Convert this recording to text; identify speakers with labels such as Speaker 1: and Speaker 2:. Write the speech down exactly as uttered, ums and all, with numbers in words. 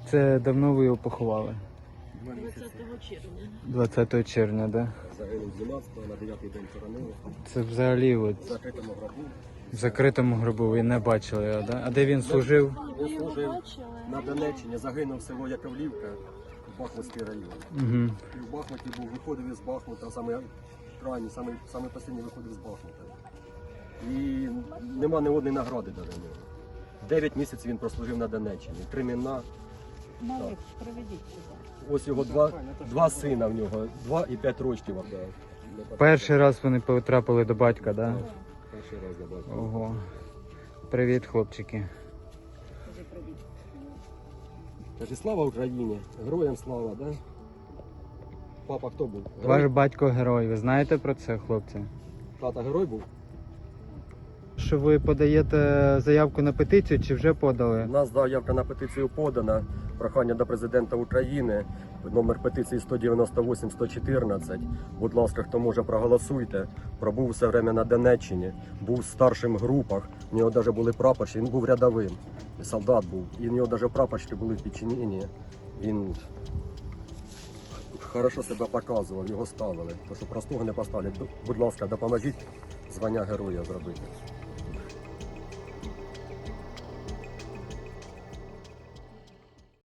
Speaker 1: Це давно ви його поховали?
Speaker 2: двадцятого червня.
Speaker 1: двадцятого червня, да?
Speaker 3: Загинув дванадцятого, на дев'ятий день хоронили.
Speaker 1: Це взагалі от
Speaker 3: В закритому гробу.
Speaker 1: в закритому гробу ви не бачили його, да? А де він служив?
Speaker 3: Він служив на Донеччині, загинув село Яковлівка, Бахмутський район.
Speaker 1: Угу.
Speaker 3: І в Бахмуті був, виходив із Бахмута, саме крайній, саме, саме останній виходив з Бахмута. І нема ні одної награди до нього. Дев'ять місяців він прослужив на Донеччині. Кремінна.
Speaker 2: Малик, приведіть сюди.
Speaker 3: Ось його два, два сина в нього, два і п'ять років.
Speaker 1: Перший раз вони потрапили до батька, да?
Speaker 3: Перший раз я бачив.
Speaker 1: Ого. Привіт, хлопчики.
Speaker 2: Скажи привіт.
Speaker 3: Каже, слава Україні, героям слава, да? Папа хто був?
Speaker 1: Ваш батько герой. Ви знаєте про це, хлопці?
Speaker 3: Тата герой був?
Speaker 1: Що ви подаєте заявку на петицію чи вже подали?
Speaker 3: У нас заявка на петицію подана. Прохання до президента України. Номер петиції сто дев'яносто вісім сто чотирнадцять. Будь ласка, хто може, проголосуйте. Пробув все время на Донеччині, був в старших групах. У нього навіть були прапорщики, він був рядовим. Солдат був. І в нього навіть прапорщики були в підчиненні. Він хорошо себе показував, його ставили. То що простого не поставлять. Будь ласка, допоможіть звання героя зробити.